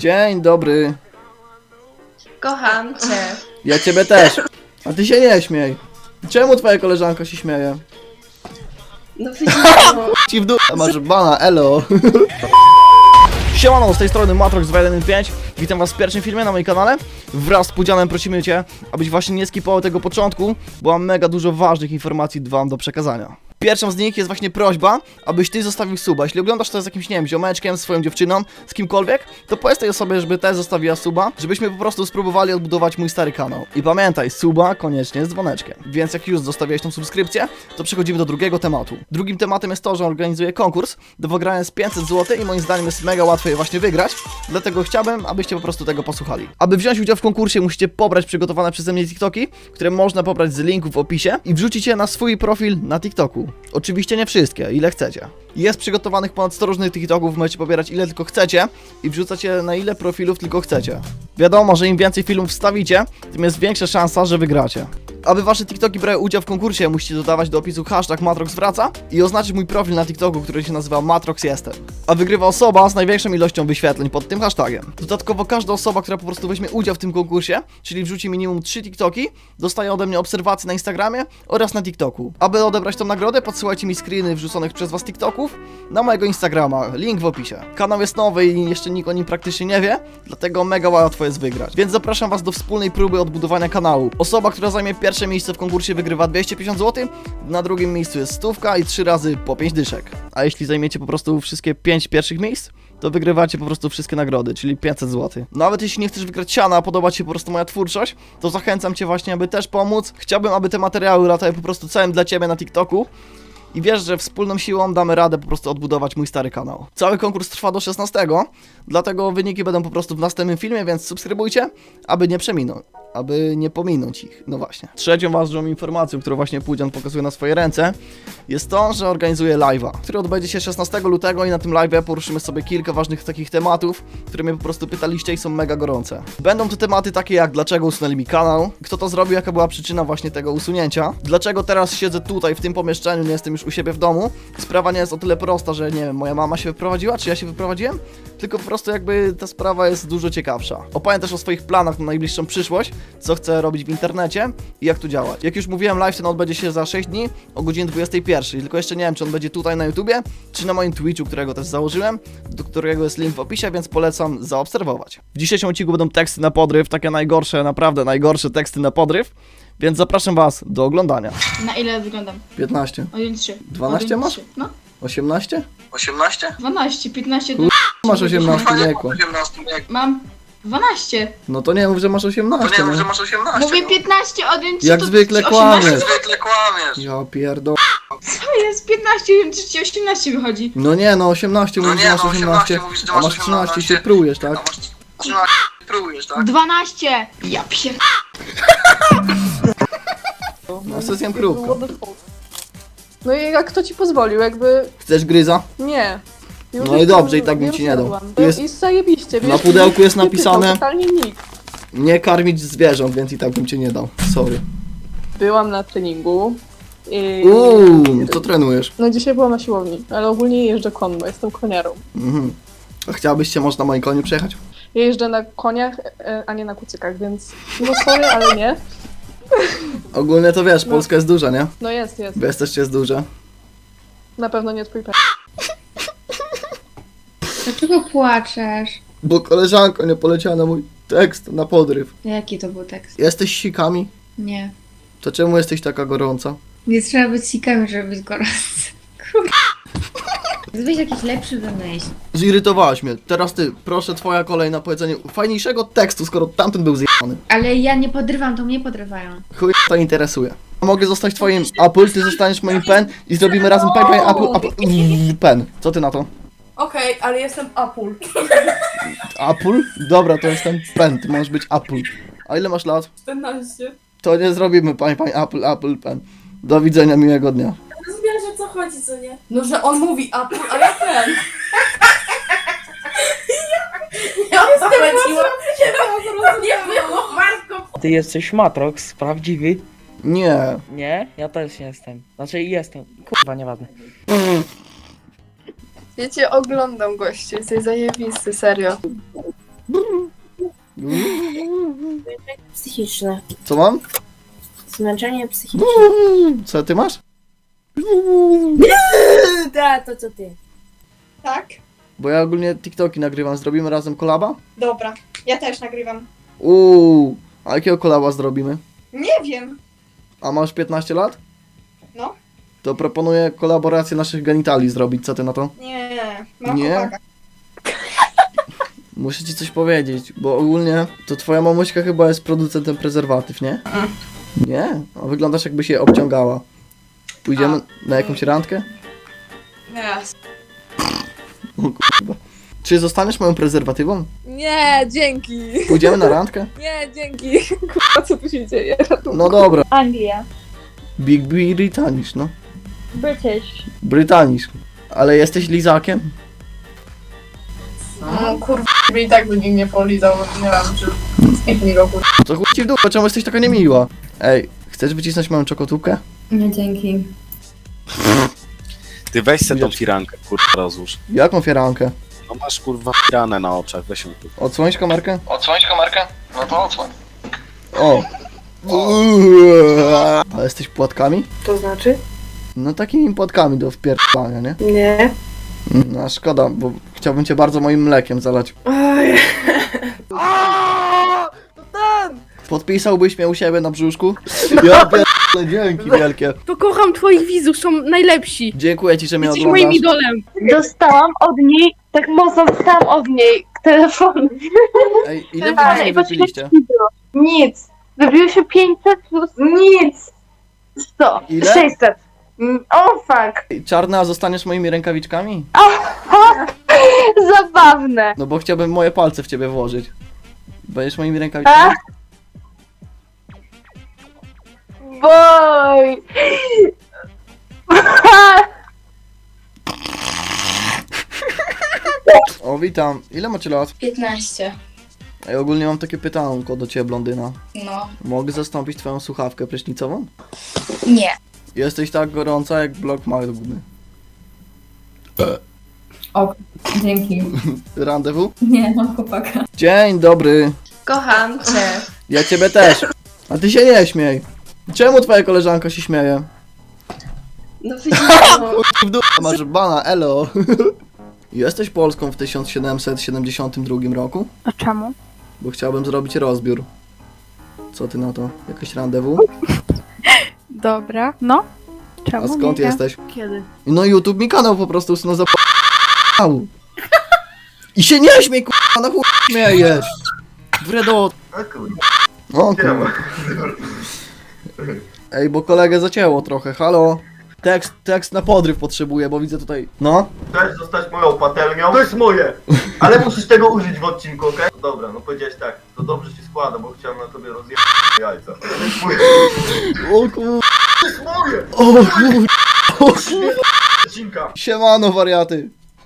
Dzień dobry. Kocham cię. Ja ciebie też. A ty się nie śmiej. Czemu twoja koleżanka się śmieje? No widzisz, Ci w dół. Masz bana, elo. Siemano, z tej strony Matrox2115. Witam was w pierwszym filmie na moim kanale. Wraz z Pudzianem prosimy cię, abyś właśnie nie skipował tego początku, bo mam mega dużo ważnych informacji wam do przekazania. Pierwszą z nich jest właśnie prośba, abyś ty zostawił suba. Jeśli oglądasz to z jakimś, nie wiem, ziomeczkiem, swoją dziewczyną, z kimkolwiek, to powiedz tej osobie, żeby też zostawiła suba, żebyśmy po prostu spróbowali odbudować mój stary kanał. I pamiętaj, suba koniecznie z dzwoneczkiem. Więc jak już zostawiłeś tą subskrypcję, to przechodzimy do drugiego tematu. Drugim tematem jest to, że organizuję konkurs do wygrania z 500 zł i moim zdaniem jest mega łatwo je właśnie wygrać, dlatego chciałbym, abyście po prostu tego posłuchali. Aby wziąć udział w konkursie, musicie pobrać przygotowane przeze mnie TikToki, które można pobrać z linków w opisie i wrzucić je na swój profil na TikToku. Oczywiście nie wszystkie, ile chcecie. Jest przygotowanych ponad 100 różnych TikToków, możecie pobierać ile tylko chcecie i wrzucać je na ile profilów tylko chcecie. Wiadomo, że im więcej filmów wstawicie, tym jest większa szansa, że wygracie. Aby wasze TikToki brały udział w konkursie, musicie dodawać do opisu hashtag MatroxWraca i oznaczyć mój profil na TikToku, który się nazywa MatroxJestem. A wygrywa osoba z największą ilością wyświetleń pod tym hashtagiem. Dodatkowo każda osoba, która po prostu weźmie udział w tym konkursie, czyli wrzuci minimum 3 TikToki, dostaje ode mnie obserwacje na Instagramie oraz na TikToku. Aby odebrać tą nagrodę, podsyłajcie mi screeny wrzuconych przez was TikToków na mojego Instagrama, link w opisie. Kanał jest nowy i jeszcze nikt o nim praktycznie nie wie, dlatego mega łatwo jest wygrać. Więc zapraszam was do wspólnej próby odbudowania kanału. Osoba, która zajmie pierwsze miejsce w konkursie, wygrywa 250 zł, na drugim miejscu jest 100 i 3 razy po 5 dyszek. A jeśli zajmiecie po prostu wszystkie 5 pierwszych miejsc, to wygrywacie po prostu wszystkie nagrody, czyli 500 zł. Nawet jeśli nie chcesz wygrać siana, a podoba ci się po prostu moja twórczość, to zachęcam cię właśnie, aby też pomóc. Chciałbym, aby te materiały latały po prostu całym dla ciebie na TikToku. I wiesz, że wspólną siłą damy radę po prostu odbudować mój stary kanał. Cały konkurs trwa do 16, dlatego wyniki będą po prostu w następnym filmie, więc subskrybujcie, aby nie pominąć ich. No właśnie. Trzecią ważną informacją, którą właśnie Pudzian pokazuje na swoje ręce, jest to, że organizuję live'a, który odbędzie się 16 lutego i na tym live'ie poruszymy sobie kilka ważnych takich tematów, które mnie po prostu pytaliście i są mega gorące. Będą to tematy takie jak dlaczego usunęli mi kanał, kto to zrobił, jaka była przyczyna właśnie tego usunięcia, dlaczego teraz siedzę tutaj w tym pomieszczeniu, nie jestem już u siebie w domu. Sprawa nie jest o tyle prosta, że nie wiem, moja mama się wyprowadziła, czy ja się wyprowadziłem, tylko po prostu jakby ta sprawa jest dużo ciekawsza. Opowiem też o swoich planach na najbliższą przyszłość, co chcę robić w internecie i jak tu działać. Jak już mówiłem, live ten odbędzie się za 6 dni o godzinie 21, tylko jeszcze nie wiem, czy on będzie tutaj na YouTubie, czy na moim Twitchu, którego też założyłem, do którego jest link w opisie, więc polecam zaobserwować. W dzisiejszym odcinku będą teksty na podryw, takie najgorsze, naprawdę najgorsze teksty na podryw, więc zapraszam was do oglądania. na ile wyglądam? 15. 1-3. 12 masz? No. 18? 18? 12, 15. Masz 18 wieku. 18 wieku. Mam 12. No to nie mów, że masz To 18. nie mów, że No. masz 18. Mówię no. 15, 1-3. Jak to zwykle 18. kłamiesz. Zwykle kłamiesz. Ja pierdol... Co jest? 15, 1-3 ci 18 wychodzi. No nie, no 18 No mówisz, nie, że masz no 18, 18 mówisz, że a masz masz 13 i się 18. prujesz, A tak? masz 13, próbujesz, tak? 12. Ja pier... Na sesję próbka. No i jak kto ci pozwolił, jakby Chcesz gryza? nie. Już No i jestem- dobrze, i tak bym już ci nie dał. jadłam. Tu jest- I zajebiście, wiesz, Na pudełku jest nie pytał napisane totalnie nikt. nie karmić zwierząt, więc i tak bym cię nie dał. Sorry. Byłam na treningu. I... Co trenujesz? No dzisiaj byłam na siłowni, ale ogólnie jeżdżę konno, jestem koniarą. Mhm. A chciałabyś się może na moim koniu przejechać? Ja jeżdżę na koniach, a nie na kucykach, więc no sorry, ale nie. Ogólnie to wiesz, Polska jest duża, nie? No jest. Wiesz też jest duża. Na pewno nie twój Dlaczego płaczesz? Bo koleżanko nie poleciała na mój tekst na podryw. Jaki to był tekst? Jesteś sikami? Nie. To czemu jesteś taka gorąca? Nie trzeba być sikami, żeby być gorący. Kurwa. Weź jakiś lepszy wymyśl. Zirytowałaś mnie. Teraz ty, proszę, twoja kolej na powiedzenie fajniejszego tekstu, skoro tamten był zjebany. Ale ja nie podrywam, to mnie podrywają. Chuj to interesuje. Mogę zostać twoim Apple, ty zostaniesz moim pen i zrobimy razem pen. Co ty na to? Okej, ale jestem Apul. Apple? Dobra, to jestem pen, ty możesz być Apple. A ile masz lat? 14. To nie zrobimy, pani Apple pen. Do widzenia, miłego dnia. Rozumiesz, o co chodzi, co nie? No, że on mówi Apul, a ja ten. Ja nie było, Marko. Ty jesteś Matrox, prawdziwy? Nie. Nie? Ja też jestem. Znaczy jestem. Kurwa, nieważne. Ja cię oglądam, goście, jesteś zajebisty, serio. Psychiczne. Co mam? Zmęczenie psychiczne. Co ty masz? Da, to co ty. Tak? Bo ja ogólnie TikToki nagrywam. Zrobimy razem kolaba? Dobra, ja też nagrywam. A jakiego kolaba zrobimy? Nie wiem. A masz 15 lat? No. To proponuję kolaborację naszych genitali zrobić. Co ty na to? Nie, mam Nie? chłopaka. Muszę ci coś powiedzieć, bo ogólnie to twoja mamuśka chyba jest producentem prezerwatyw, nie? Nie? A wyglądasz jakby się obciągała. Pójdziemy na jakąś randkę? Nie. O kurwa. Czy zostaniesz moją prezerwatywą? Nie, dzięki. Pójdziemy na randkę? Nie, dzięki. Kurwa, co tu się dzieje? No dobra. Anglia. Big British, no. British. Brytanisz. Ale jesteś lizakiem? No kurwa, i tak by nikt nie polizał, nie wiem, czy skipnij go kurwa. Co chuj ci w dupę, czemu jesteś taka niemiła? Ej, chcesz wycisnąć moją czokotubkę? Nie, dzięki. Ty weź se tą firankę, kurwa, rozłóż. Jaką firankę? No masz, kurwa, firanę na oczach, weź ją tu. Odsłonić kamerkę? Odsłonić kamerkę? No to odsłoń. O! A jesteś płatkami? To znaczy? No takimi płatkami do wpierdolania, nie? Nie. No szkoda, bo chciałbym cię bardzo moim mlekiem zalać. Oj. Podpisałbyś mnie u siebie na brzuszku? Ja pierdolę, dzięki wielkie. To kocham twoich widzów, są najlepsi. Dziękuję ci, że mnie Jesteś moim oglądasz. idolem. Dostałam od niej, tak mocno dostałam od niej telefon. Ej, ile wy dzisiaj wypiliście? Nic. Wybiło się 500 plus nic. 100. Ile? 600. O fuck. Ej, Czarna, zostaniesz moimi rękawiczkami? Zabawne. No bo chciałbym moje palce w ciebie włożyć. Będziesz moimi rękawiczkami? Boj. O, witam. Ile macie lat? 15. Ej, ogólnie mam takie pytanko do ciebie, blondyna. No. Mogę zastąpić twoją słuchawkę prysznicową? Nie. Jesteś tak gorąca jak blok magmy. Dzięki. Rendezvous? Nie, mam chłopaka. Dzień dobry. Kocham cię. Ja ciebie też. A ty się nie śmiej. Czemu twoja koleżanka się śmieje? No widziałam. W dupę masz bana, elo. Jesteś Polską w 1772 roku? A czemu? Bo chciałbym zrobić rozbiór. Co ty na to? Jakieś rendezvous? Dobra. No. Czemu A skąd nie? jesteś? Kiedy? No YouTube mi kanał po prostu no zapał. I się nie śmiej, k***a, na chuj śmiejesz. Wredot. O kurwa. Ej, bo kolegę zacięło trochę, halo. Tekst na podryw potrzebuję, bo widzę tutaj... No? Chcesz zostać moją patelnią? To jest moje! Ale musisz tego użyć w odcinku, okej? Dobra, no powiedziałeś tak, to dobrze się składa, bo chciałem na tobie rozjechać jajca. To jest moje! O kur... To jest moje! O kur... O kur... Odcinka! Siemano, wariaty.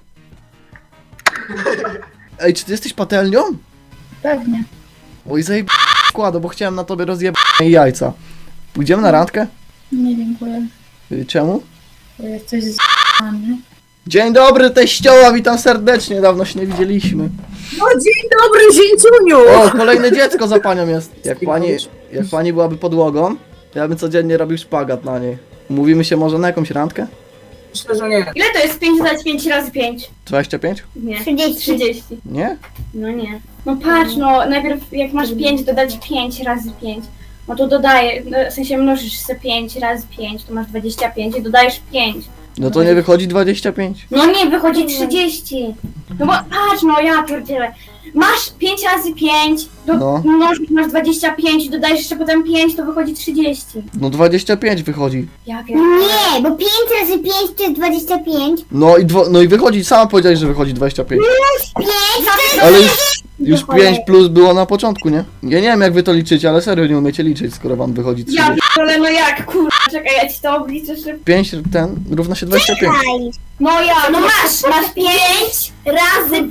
Ej, czy ty jesteś patelnią? Pewnie. Oj, zajeb... składa, bo chciałem na tobie rozjebać jajca. Pójdziemy na randkę? Nie, dziękuję. Czemu? Jak coś z***ane. Dzień dobry, teścioła, witam serdecznie, dawno się nie widzieliśmy. No dzień dobry, zięciuniu! O, kolejne dziecko za panią jest. Jak pani byłaby podłogą, to ja bym codziennie robił szpagat na niej. Umówimy się może na jakąś randkę? Myślę, że nie. Ile to jest 5 dodać 5 razy 5? 25? Nie. 30. Nie? No nie. No patrz, no najpierw jak masz 5 dodać 5 razy 5. No to dodaję, no, w sensie mnożysz sobie 5 razy 5, to masz 25 i dodajesz 5. No to nie wychodzi 25. No nie, wychodzi 30. No bo patrz, no ja pierdzielę. Masz 5 razy 5, No. mnożysz, masz 25 i dodajesz jeszcze potem 5, to wychodzi 30. No 25 wychodzi. Ja pierdzielę. Nie, bo 5 razy 5 to jest 25. No i wychodzi, sama powiedziałeś, że wychodzi 25. 5 Ale już 5 plus było na początku, nie? Ja nie wiem jak wy to liczycie, ale serio nie umiecie liczyć, skoro wam wychodzi 30. Ja pierdzielę, no jak, kurwa, czekaj, ja ci to obliczę szybko. 5 równa się 25. No ja, No masz 5 razy 5.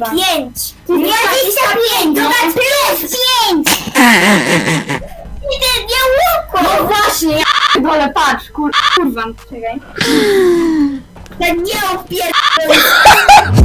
25, dodać plus 5. Nie łukło. no właśnie, ja dole, patrz, kurwa, czekaj. Tak nie opierdolę.